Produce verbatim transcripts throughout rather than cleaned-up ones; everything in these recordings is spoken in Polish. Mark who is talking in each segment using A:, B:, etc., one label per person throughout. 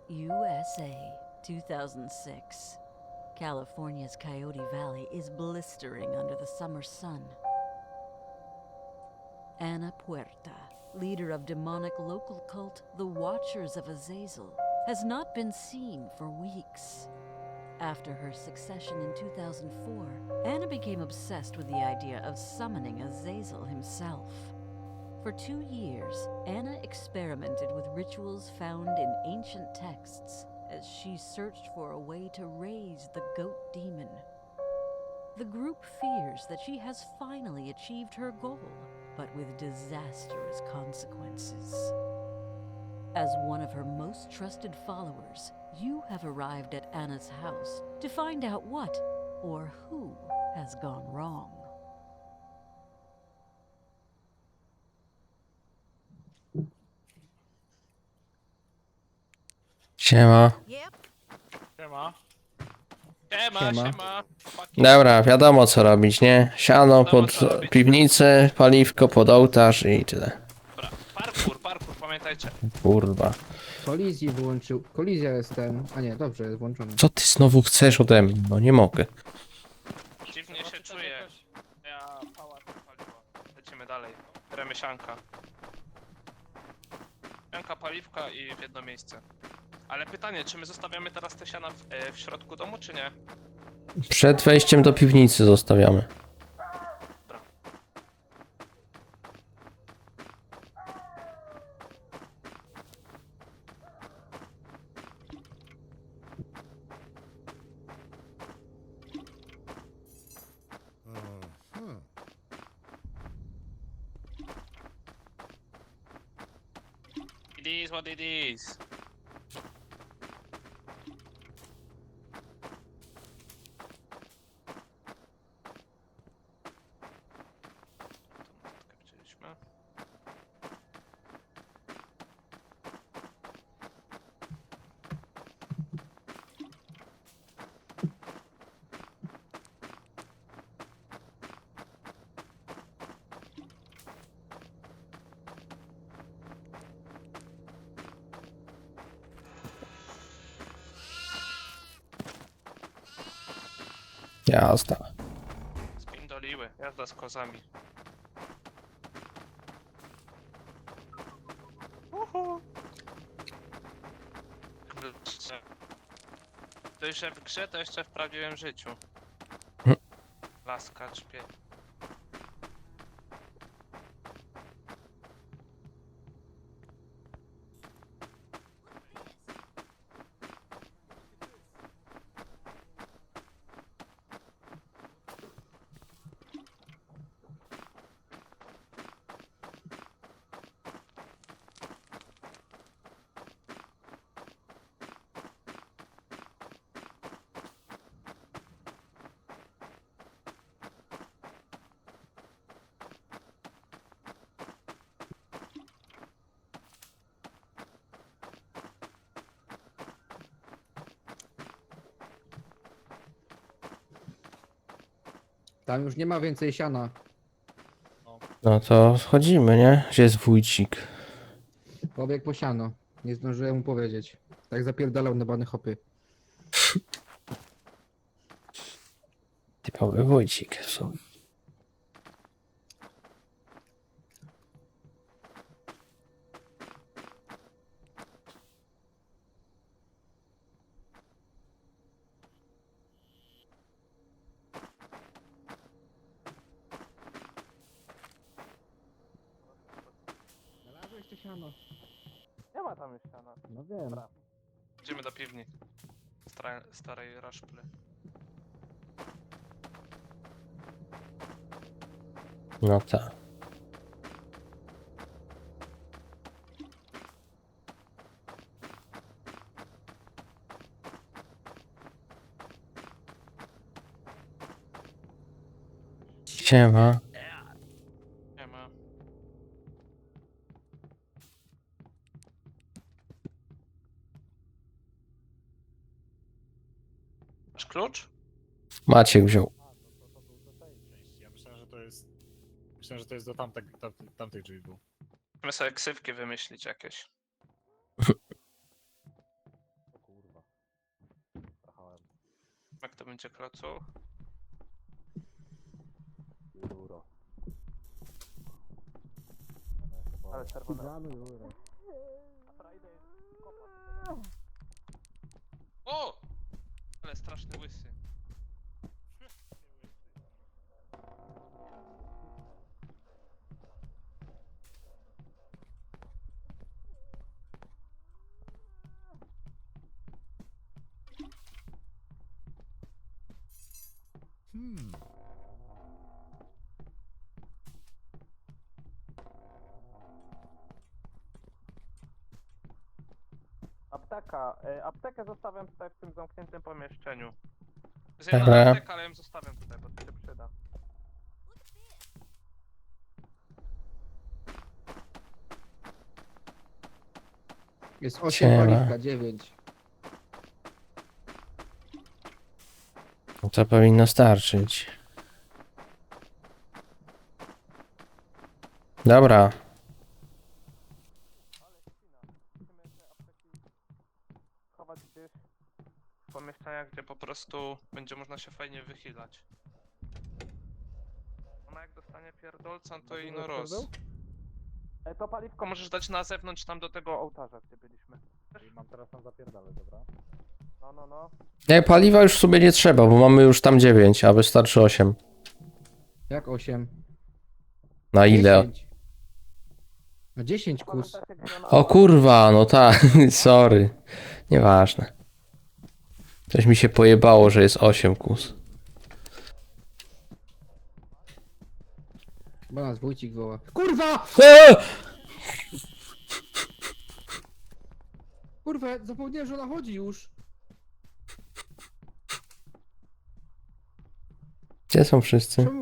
A: U S A, two thousand six. California's Coyote Valley is blistering under the summer sun. Ana Puerta, leader of demonic local cult the Watchers of Azazel, has not been seen for weeks. After her succession in two thousand four, Anna became obsessed with the idea of summoning Azazel himself. For two years, Anna experimented with rituals found in ancient texts as she searched for a way to raise the goat demon. The group fears that she has finally achieved her goal, but with disastrous consequences. As one of her most trusted followers, you have arrived at Anna's house to find out what or who has gone wrong.
B: Siema.
C: Siema. Siema,
D: Siema.
C: siema. Chłopaki.
B: Dobra, wiadomo co robić, nie? Siano
C: Wiadomo,
B: pod
C: co robić.
B: piwnicę, paliwko pod ołtarz i tyle.
C: Dobra, parkour, parkour, pamiętajcie.
B: Kurwa.
D: Kolizji wyłączył. Kolizja jest ten. A nie, dobrze, jest włączony.
B: Co ty znowu chcesz ode mnie? No nie mogę.
C: Dziwnie się czuję. Ja pałac paliwo. Lecimy dalej. Beremy sianka. Sianka, paliwka i w jedno miejsce. Ale pytanie, czy my zostawiamy teraz te siana w, e, w środku domu, czy nie?
B: Przed wejściem do piwnicy zostawiamy.
C: It is what it is. Widzieliśmy.
B: Jazda.
C: Spindoliły, jazda z kozami. Uhu. Kurczę. To jeszcze w grze, to jeszcze w prawdziwym życiu. Laska czpie.
D: Tam już nie ma więcej siana.
B: No to wchodzimy, nie? Gdzie jest wójcik?
D: Pobiegł po siano. Nie zdążyłem mu powiedzieć. Tak zapierdalał na bany hopy.
B: Typowy wójcik w sumie.
D: Znalazłeś to siano.
C: Nie ma tam już siana.
D: No wiem.
C: Idziemy do piwni. Stara, starej raszply.
B: No tak. Siema.
C: Nie ma. Masz klucz?
B: Maciek wziął.
E: Ja myślałem, że to jest. Myślałem, że to jest do tamtej, tamtej, tamtej drzwi był.
C: Musimy sobie ksywki wymyślić jakieś. Jak to będzie klocu?
F: Ale czerwone.
C: O! Ale straszny łysy.
F: Hmm.
G: Apteka. E, aptekę zostawiam tutaj w tym zamkniętym pomieszczeniu.
C: Jest jedna
B: Dobra.
C: apteka, ale ją zostawiam tutaj, bo to się przyda.
D: Jest osiem
B: Siema.
D: paliwka, dziewięć.
B: No to powinno starczyć. Dobra.
C: Musimy te apteki schować gdzieś w pomieszczeniach, gdzie po prostu będzie można się fajnie wychylać. Ona jak dostanie pierdolca, to i no roz.
G: E, to paliwko
C: Możesz dać na zewnątrz tam do tego ołtarza, gdzie byliśmy.
E: I mam teraz tam zapierdalać, dobra?
G: No, no, no.
B: Nie, paliwa już sobie nie trzeba, bo mamy już tam dziewięć, a wystarczy osiem.
D: Jak osiem?
B: Na ile?
D: dziesięć. No dziesięć kus.
G: Pamiętacie, gdzie ona-
B: O kurwa, no tak, sorry. Nieważne. Coś mi się pojebało, że jest osiem kus.
D: Bo nas Wójcik woła. Kurwa!
B: Eee!
D: Kurwa, zapomniałem, że ona chodzi już.
B: Gdzie są wszyscy?
D: Czemu?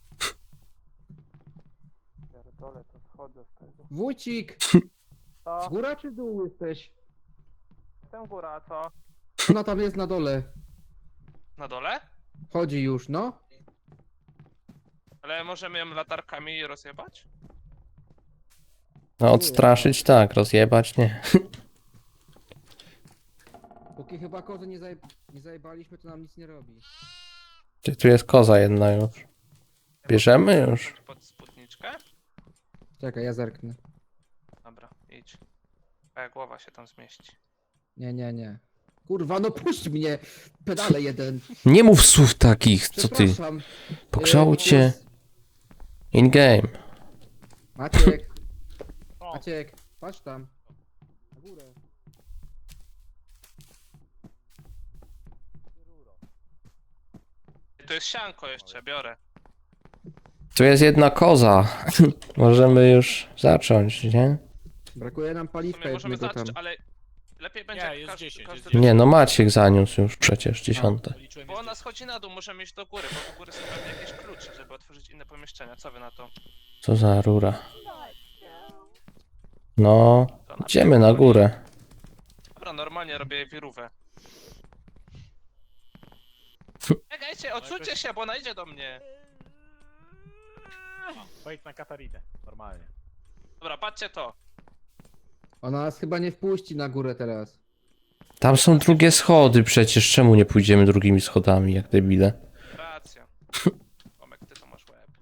G: Pierdolę, to schodzę z tego.
D: Wójcik!
G: To,
D: Góra czy dół jesteś?
G: jestem góra, a co?
D: Ona tam jest na dole.
C: Na dole?
D: Chodzi już, no.
C: Ale możemy ją latarkami rozjebać?
B: No odstraszyć tak, rozjebać nie.
D: Póki chyba kozy nie, zaje... nie zajebaliśmy, to nam nic nie robi.
B: Czy tu jest koza jedna już? Bierzemy już?
C: Pod spódniczkę?
D: Czekaj, ja zerknę.
C: Dobra, idź. Twoja głowa się tam zmieści.
D: Nie, nie, nie. Kurwa, no puść mnie! Pedale jeden.
B: Nie mów słów takich, co ty?
D: Przepraszam.
B: Pogrzało
D: E,
B: cię in game.
D: Maciek,
E: O,
D: Maciek, patrz tam. Na górę.
C: To jest sianko jeszcze, biorę.
B: Tu jest jedna koza. Możemy już zacząć, nie?
D: Brakuje nam
C: W
D: paliwka
C: sumie możemy
D: jednego tam.
C: zacząć, ale lepiej będzie
E: Nie,
C: jak
E: jest
C: każdy,
E: dziesięć,
C: każdy
E: jest dziesięć.
B: Nie, no Maciek zaniósł już przecież dziesiąte.
E: policzyłem
C: Bo
E: jest
C: ona
E: dziesięć.
C: schodzi na dół, możemy iść do góry, bo do góry są pewnie jakieś klucze, żeby otworzyć inne pomieszczenia. Co wy na to?
B: Co za rura. No,
C: To na
B: idziemy na górę.
C: Dobra, normalnie robię wirówę. Czekajcie, odsuńcie się, bo ona idzie do mnie.
E: Wejdź na Katarinę, normalnie.
C: Dobra, patrzcie to.
D: Ona nas chyba nie wpuści na górę teraz.
B: Tam są drugie schody przecież, czemu nie pójdziemy drugimi schodami, jak debile?
C: Racja. Tomek, ty to masz łeb.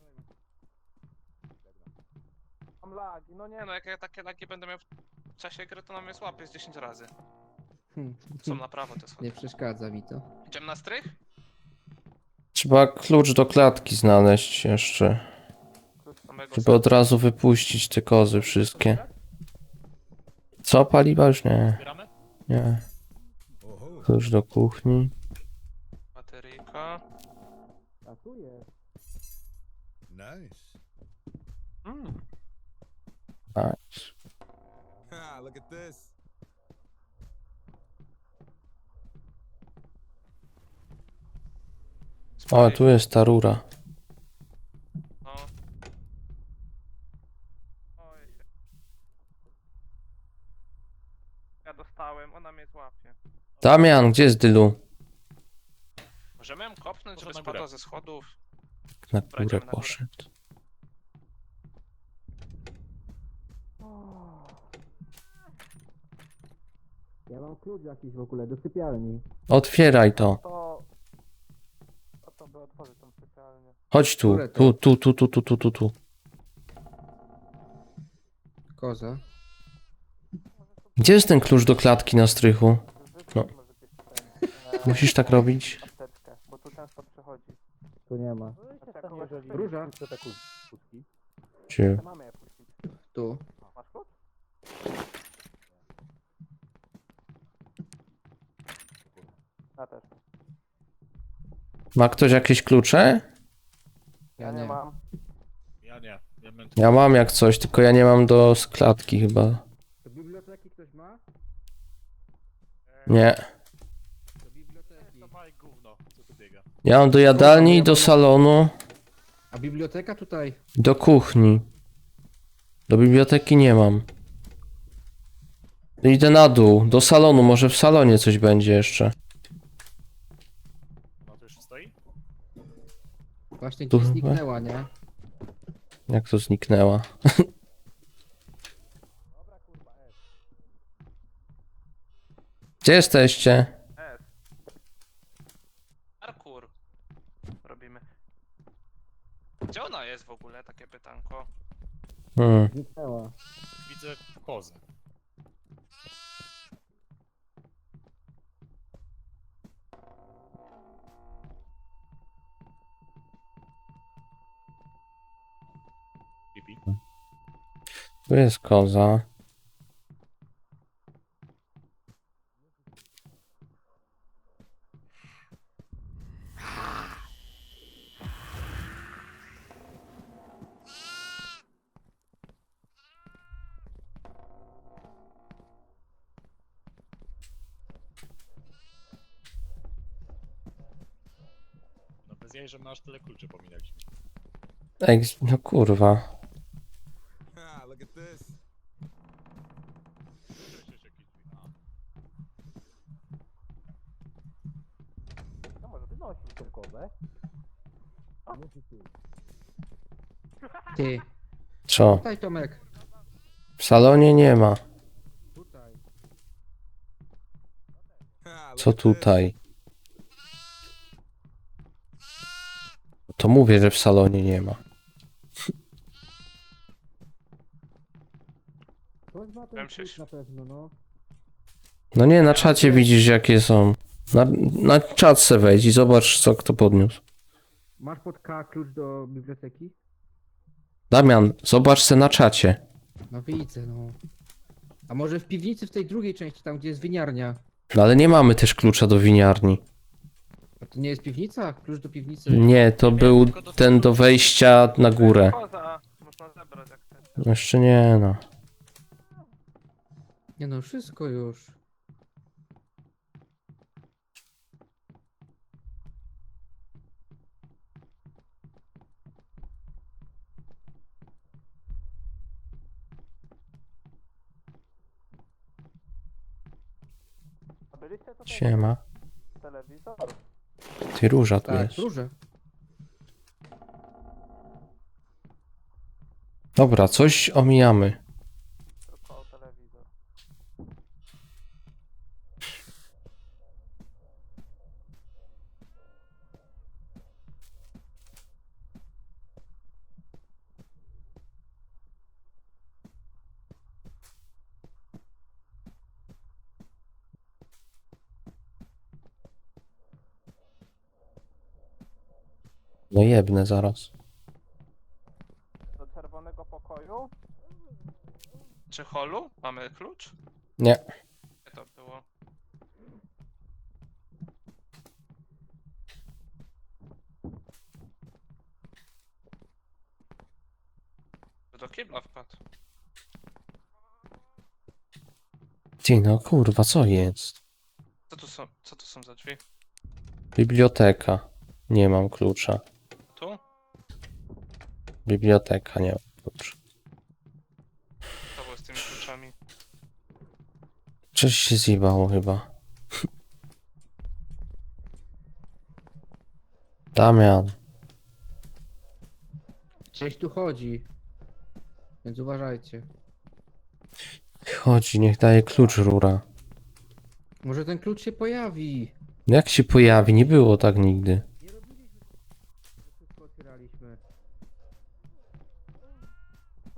G: Mam lagi, no nie
C: Nie no, jak ja takie lagi będę miał w czasie gry, to na mnie złapie z dziesięć razy.
D: Hm.
C: Są na prawo te schody.
D: Nie przeszkadza mi to.
C: Idziemy na strych?
B: Trzeba klucz do klatki znaleźć jeszcze,
C: Klucz do mego
B: żeby od razu wypuścić te kozy wszystkie. Co, paliwa już nie?
E: Zbieramy?
B: Nie. Klucz do kuchni.
C: bateryjka.
D: A tu jest.
F: Nice.
C: Mm.
B: Nice.
F: Ha, look at this.
B: O, tu jest ta rura.
C: No. Oj. Ja dostałem, ona mnie złapie.
B: Damian, gdzie jest Dylu?
C: Możemy ją kopnąć, żeby
E: Może na
C: spadła
E: górę.
C: ze schodów?
B: Na
C: Dobra,
B: górę
C: idziemy na górę.
B: poszedł.
D: Ja mam klucz jakiś w ogóle do sypialni.
B: Otwieraj to.
G: to Trzeba otworzyć tą specjalnie.
B: Chodź tu,
D: Które to?
B: tu, tu, tu, tu, tu, tu, tu, tu.
D: Koza.
B: Gdzie jest ten klucz do klatki na strychu? No.
G: Może gdzieś tutaj, e,
B: Musisz tak robić?
G: apteczkę, bo tu często przychodzi.
D: Tu nie ma.
G: Znaczy, jak kogoś chwyci,
D: Róża.
B: Gdzie?
G: to mamy je puścić.
D: Tu.
G: Masz klucz? Ja też.
B: Ma ktoś jakieś klucze?
G: Ja
D: Ja
G: nie
D: nie.
G: mam.
E: Ja nie. Ja mam
B: Ja mam jak coś, tylko ja nie mam do klatki chyba.
D: Do biblioteki ktoś ma?
B: Nie.
D: Do biblioteki.
E: To maj gówno, co tu biega.
B: Ja mam do jadalni, do salonu,
D: A biblioteka tutaj.
B: do kuchni. Do biblioteki nie mam. Idę na dół, do salonu, może w salonie coś będzie jeszcze.
E: No to już stoi?
D: Właśnie
B: Tu
D: gdzieś
B: chyba?
D: zniknęła, nie?
B: Jak to zniknęła? Gdzie jesteście?
C: S. Parkour. Robimy. Gdzie ona jest w ogóle, takie pytanko?
B: Hmm.
D: Zniknęła.
E: Widzę kozę. Pipi.
B: Tu jest koza.
E: No bez jej, że masz tyle kluczy pominęliśmy.
B: Ej, no kurwa.
F: Ha, look at this.
E: Słyszysz jakieś drzwi? A.
G: No może wynosić tą kozę.
D: Ty.
B: Co?
D: Tutaj Tomek.
B: W salonie nie ma.
D: Tutaj.
F: Ha, look
B: Co
F: at this.
B: tutaj? To mówię, że w salonie nie ma.
D: Ktoś ma ten
C: Powiem się-
D: klucz na pewno, no.
B: No nie, na czacie widzisz jakie są. Na, na czat se wejdź i zobacz co kto podniósł.
D: Masz pod K klucz do biblioteki?
B: Damian, zobacz se na czacie.
D: No widzę, no. A może w piwnicy w tej drugiej części, tam gdzie jest winiarnia?
B: No ale nie mamy też klucza do winiarni.
D: A to nie jest piwnica? Klucz do piwnicy?
B: Nie, to był ten do wejścia na górę.
C: Koza. Można zebrać jak chcecie.
B: Jeszcze nie no.
D: Nie no, wszystko już.
G: A byliście tutaj?
B: Siema.
G: Telewizor?
B: Ty róża tu
D: Tak,
B: jest.
D: róże.
B: Dobra, coś omijamy.
G: Tylko telewizor.
B: No jebnę zaraz.
G: Do czerwonego pokoju?
C: Czy holu? Mamy klucz?
B: Nie.
C: Gdzie to było? Do kibla wpadł.
B: Ty no kurwa, co jest?
C: Co tu są, co tu są za drzwi?
B: Biblioteka. Nie mam klucza.
C: Tu?
B: Biblioteka, nie mam klucza.
C: Co było z tymi kluczami?
B: Coś się zjebało chyba. Damian.
D: Gdzieś tu chodzi. Więc uważajcie.
B: Chodzi, niech daje klucz rura.
D: Może ten klucz się pojawi.
B: Jak się pojawi? Nie było tak nigdy.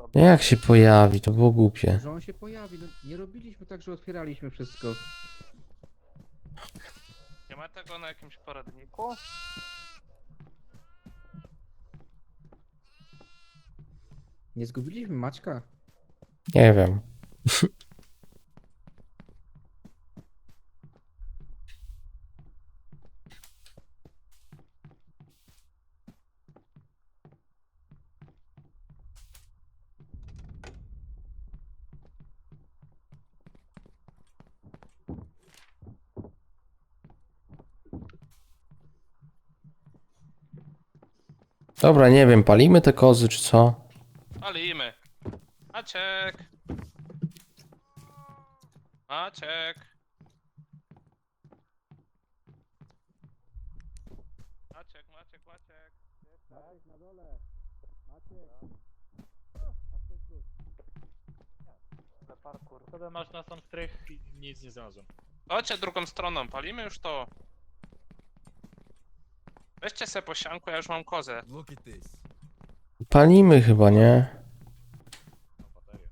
B: No jak się pojawi, to było głupie.
D: Że on się pojawi, no nie robiliśmy tak, że otwieraliśmy wszystko.
C: Nie ma tego na jakimś poradniku?
D: Nie zgubiliśmy Maćka?
B: Nie wiem. Dobra, nie wiem, palimy te kozy czy co?
C: Palimy. Maciek. Maciek. Maciek, Maciek, Maciek.
G: Parkour.
E: Wtedy masz na sam strych i nic nie znalazłem.
C: Chodźcie drugą stroną, palimy już to. Weźcie se po sianku, ja już mam kozę.
F: Look at this.
B: Palimy chyba, nie?
E: Mam baterię.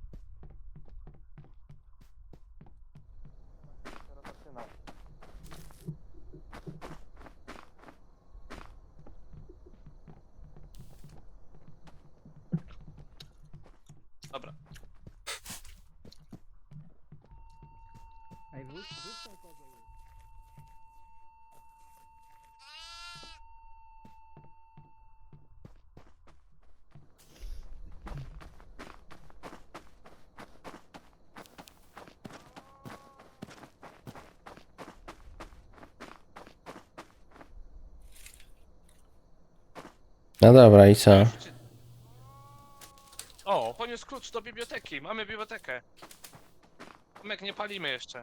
G: Teraz zaczynam.
C: Dobra.
D: Ej, wróć, wróć tą kozę już.
B: No dobra, i co?
C: O, poniósł klucz do biblioteki. Mamy bibliotekę. Tomek, nie palimy jeszcze.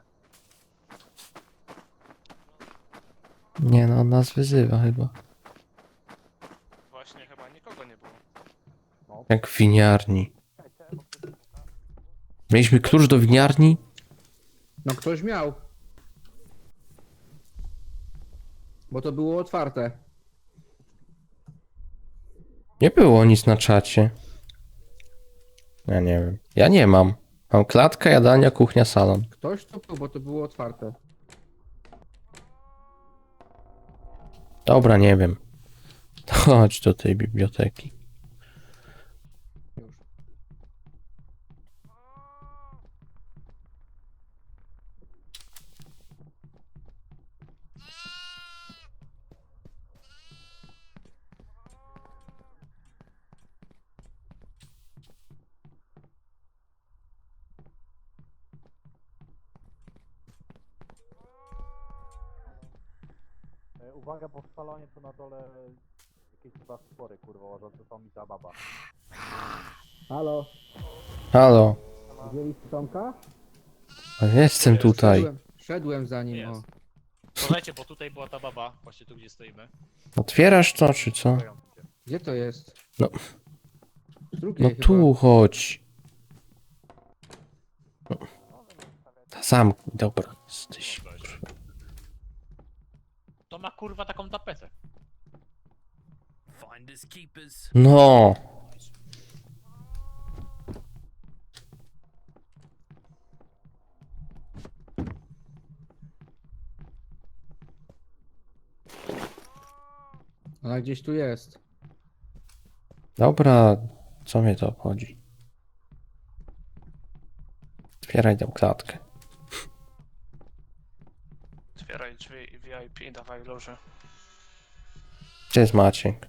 B: Nie no, on nas wyzywa chyba.
C: Właśnie chyba nikogo nie było.
B: Jak w winiarni. Mieliśmy klucz do winiarni?
D: No ktoś miał. Bo to było otwarte.
B: Nie było nic na czacie. Ja nie wiem. Ja nie mam. Mam klatka, jadalnia, kuchnia, salon.
D: Ktoś to był, bo to było otwarte.
B: Dobra, nie wiem. Chodź do tej biblioteki.
D: Już.
G: E, Uwaga, bo w salonie to na dole jakieś chyba spory, kurwa, łażące są mi ta baba.
D: Halo,
B: Halo.
D: widzieliście Tomka?
B: A jestem tutaj.
D: Szedłem, szedłem za nim, o.
E: Jest. Słuchajcie, bo tutaj była ta baba, właśnie tu gdzie stoimy.
B: Otwierasz to, czy co?
D: Gdzie to jest?
B: No.
D: Z drugiej
B: No
D: chyba.
B: tu chodź. No. Zamknij, dobra. Jesteś.
E: To ma kurwa taką tapetę.
F: Finders keepers.
B: No.
D: Ona gdzieś tu jest.
B: Dobra, co mnie to obchodzi? Otwieraj tę klatkę.
C: Otwieraj drzwi i V I P, dawaj loży.
B: Gdzie jest Maciek?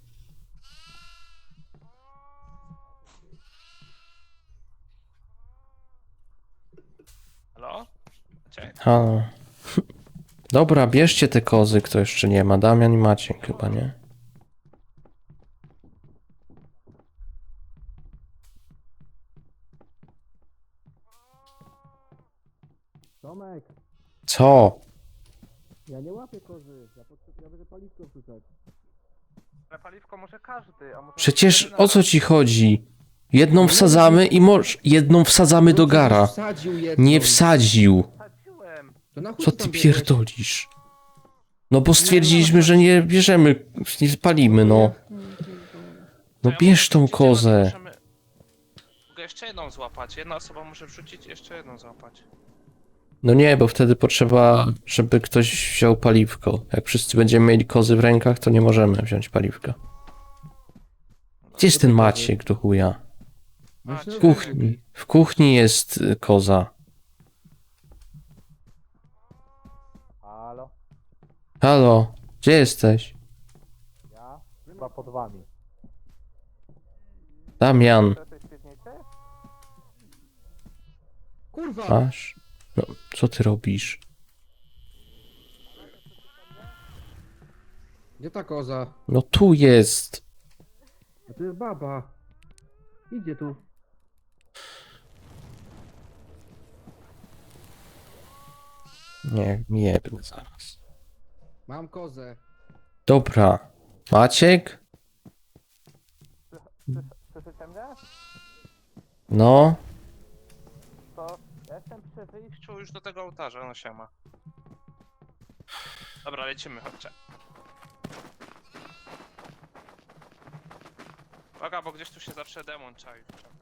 C: Halo? Maciek?
B: Halo. Dobra, bierzcie te kozy, kto jeszcze nie ma. Damian i Maciek chyba, nie?
D: Tomek,
B: Co?
D: ja nie łapię kozy. Ja, potrzebuję, ja będę paliwko wrzucać.
C: Ale paliwko może każdy, a może...
B: Przecież o co ci chodzi? Jedną wsadzamy i moż... Jedną wsadzamy do gara.
D: Wsadził jedną.
B: Nie wsadził.
C: Wsadziłem!
D: To na chuj
B: Co
D: tam
B: ty
D: biegłeś?
B: pierdolisz? No bo stwierdziliśmy, że nie bierzemy, nie spalimy, no. No bierz tą kozę.
C: Możemy... jeszcze jedną złapać. Jedna osoba może wrzucić i jeszcze jedną złapać.
B: No nie, bo wtedy potrzeba, żeby ktoś wziął paliwko. Jak wszyscy będziemy mieli kozy w rękach, to nie możemy wziąć paliwka. Gdzie jest ten Maciek do chuja?
C: Maciek.
B: W kuchni. W kuchni jest y, koza.
G: Halo?
B: Halo, gdzie jesteś?
G: Ja? Chyba pod wami.
B: Damian,
C: To jesteś w piwnicy?
D: Kurwa!
B: masz? No, co ty robisz?
D: Gdzie ta koza?
B: No tu jest.
D: A to jest baba. Idzie tu.
B: Nie, nie będę zaraz.
D: Mam kozę.
B: Dobra. Maciek?
C: Słyszycie mnie?
B: No.
C: To ja jestem przy wyjściu już do tego ołtarza, no siema. Dobra, lecimy, chodźcie. Uwaga, bo gdzieś tu się zawsze demon czai.